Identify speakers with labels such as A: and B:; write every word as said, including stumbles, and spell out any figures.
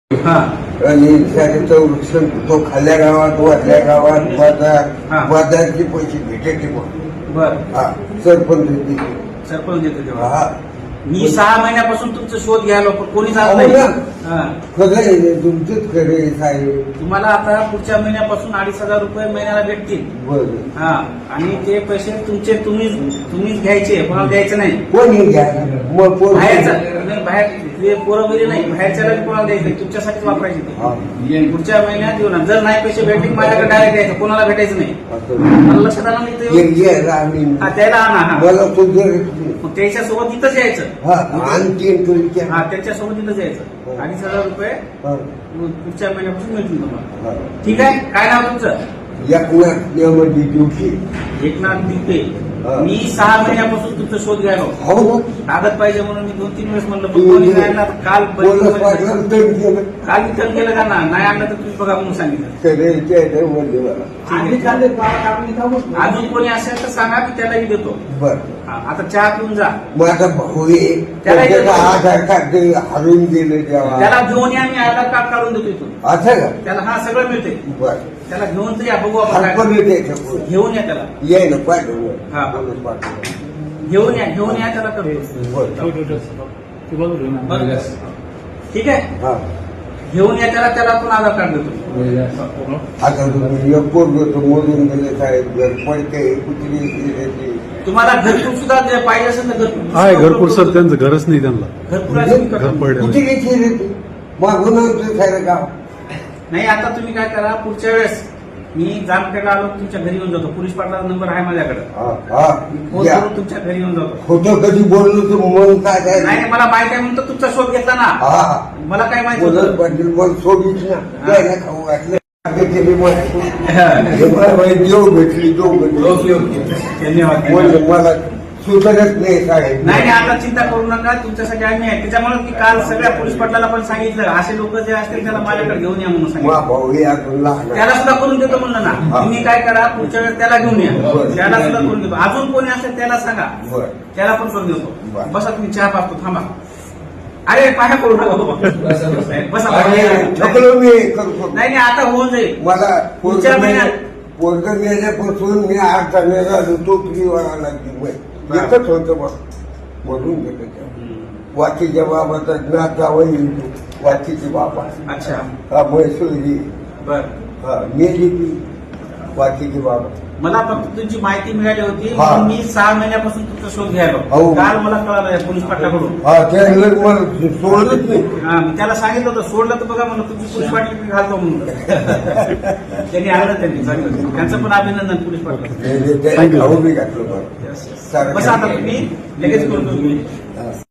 A: हा
B: आणि त्याचं संरक्षण तो खाल्ल्या गावात वरल्या गावात बाजार बाजारचे पैसे भेटायचे पण
A: बर
B: हा सरपंच देते.
A: सरपंच देतो तेव्हा
B: हा
A: मी सहा महिन्यापासून तुमचा शोध घ्यायला पण कोणीच आलं
B: हो
A: नाही.
B: ना.
A: हा.
B: खरं आहे तुमचंच खरं आहे साहेब.
A: तुम्हाला आता पुढच्या महिन्यापासून अडीच हजार रुपये महिन्याला भेटतील.
B: बरं
A: हा आणि ते पैसे तुमचे तुम्ही तुम्हीच घ्यायचे कोणाला द्यायचे नाही.
B: कोणी घ्या मग कोण
A: बाहेरचा नाही, बाहेर ते पोरं वगैरे नाही बाहेरच्याला कोणाला द्यायचं नाही. तुमच्यासाठीच वापरायचे ते.
B: हा.
A: पुढच्या महिन्यात येऊ ना जर नाही पैसे भेटले माझ्याकडे डायरेक्ट द्यायचं कोणाला भेटायचं नाही.
B: असं.
A: मला लक्षात आलं नाही ते.
B: एक घ्यायला आम्ही
A: हा त्याला आणा हा
B: मला तो जर
A: मग त्याच्यासोबत इथंच यायचं.
B: हा आणखीन तुमच्या
A: हा त्याच्यासोबत इथंच यायचं. अडीच हजार रुपये
B: हा.
A: पुढच्या महिन्यापासून मिळतील तुम्हाला.
B: हा.
A: ठीक आहे काय नाव तुमचं?
B: एकनाथ नियमाची ड्युटी
A: एकनाथ दिपे.
B: हा.
A: मी सहा महिन्यापासून तुमचा शोध घ्यायला
B: हो ना
A: कागद पाहिजे म्हणून मी दोन तीन वेळेस म्हणलं पण कोणी नाही आणला. काल
B: बोलत वाटलं तर गेलं
A: काल वितरण केलं का ना नाही आणलं तर तुम्ही बघा म्हणून सांगितलं.
B: सगळ्याच्या म्हणले मला
A: अजून कोणी असेल तर सांगा की त्यालाही देतो.
B: बर
A: हा, आता चहा पिऊन जा.
B: माझा भाऊ आहे
A: त्याला
B: त्याचं
A: येतो.
B: आधार कार्ड हरवून गेलं तेव्हा
A: त्याला घेऊन या मी आधार कार्ड काढून देतो इथून.
B: असं का
A: त्याला हा सगळं मिळते.
B: बर
A: त्याला घेऊन तर या बघू आपण काय.
B: हरपण येते
A: घेऊन या त्याला
B: ये ना पाठवलं
A: हा.
B: बोलत पाठवलं
A: घेऊन या घेऊन या त्याला करतो.
B: बरं.
A: बरं. ठीक आहे
B: हा
A: घेऊन या त्याला त्याला पण आधार कार्ड देतो.
B: आता तुम्ही एक पोरगं तर मोडून गेले साहेब घर पडते कुत्री गेले
A: तुम्हाला घरकुल सुद्धा जे पाहिजे असेल तर घरकुल
C: आहे घरकुल सर त्यांचं घरच नाही त्यांना
A: घरकुल असेल तर
C: घर
A: करतो.
C: पडले
B: कुठे घेतली रे ती मागून आणतो सारं गाव
A: नाही आता तुम्ही काय करा पुढच्या वेळेस मी जामखेडला आलो तुमच्या घरी येऊन जातो. पोलीस पाटलाचा नंबर आहे माझ्याकडे.
B: हा हा
A: फोन
B: या.
A: करून तुमच्या घरी येऊन जातो.
B: खोटं कधी बोललो तर मन काय काय
A: नाही नाही, मला माहिती आहे म्हणून तर तुमचा शोध घेतला ना.
B: हा
A: मला काय माहिती
B: बोलत
A: होतं.
B: पाटील मग सोडीच ना द्यायला खाऊ घातलं केली मला.
A: हा.
B: हे मला माहिती, देव भेटली देव भेटली
A: धन्यवाद
B: म्हणलं मला सुधारत नाही साहेब
A: नाही नाही आता चिंता करू नका तुमच्यासाठी आम्ही आहे. त्याच्यामुळे मी काल सगळ्या पोलीस पाटलाला पण सांगितलं असे लोक जे असतील त्याला माझ्याकडे घेऊन या म्हणून
B: मा
A: सांगितलं.
B: भाऊ हे अजून लहान आहे.
A: त्याला सुद्धा करून देतो म्हणलं
B: हा.
A: ना. तुम्ही काय करा पुढच्या वेळेस त्याला घेऊन या.
B: बरं.
A: त्याला सुद्धा करून देतो. अजून कोणी असेल त्याला सांगा
B: बरं.
A: त्याला पण करून देतो.
B: बरं.
A: बसा तुम्ही चहा पाहतो थांबा. अरे पाया करू नका बाबा. बसा
B: अरे,
A: नाही
B: थकलो मी करतो
A: नाही आता होऊन जाईल.
B: मला
A: पुढच्या महिन्यात
B: पोरग मेल्यापासून मी आठ चाललेला तो फ्रीवाला लागली एकच होतं मग म्हणून गेलं त्या वाचीच्या बाबाचा नाथ जावं येईल वाचीची बाबा
A: अच्छा
B: हा म्हैसूरी
A: बर
B: हा मेली ती वाचीची बाबा
A: मला फक्त तुमची माहिती मिळाली होती
B: हा.
A: म्हणून मी सहा महिन्यापासून तुमचा शोध घ्यायला
B: हो.
A: काल मला कळालं पोलीस पाटलाकडून.
B: हा त्याला मला सोडलंच नाही
A: हा, मी त्याला सांगितलं होतं सोडलं तर बघा म्हणलं तुमची पोलीस पाटील मी घालतो म्हणून. त्यांनी आणलं त्यांनी सांगितलं त्यांचं पण अभिनंदन पोलीस पाटील.
B: खाऊ बी घातलं मला
A: बस आता तुम्ही लगेच करतो तुम्ही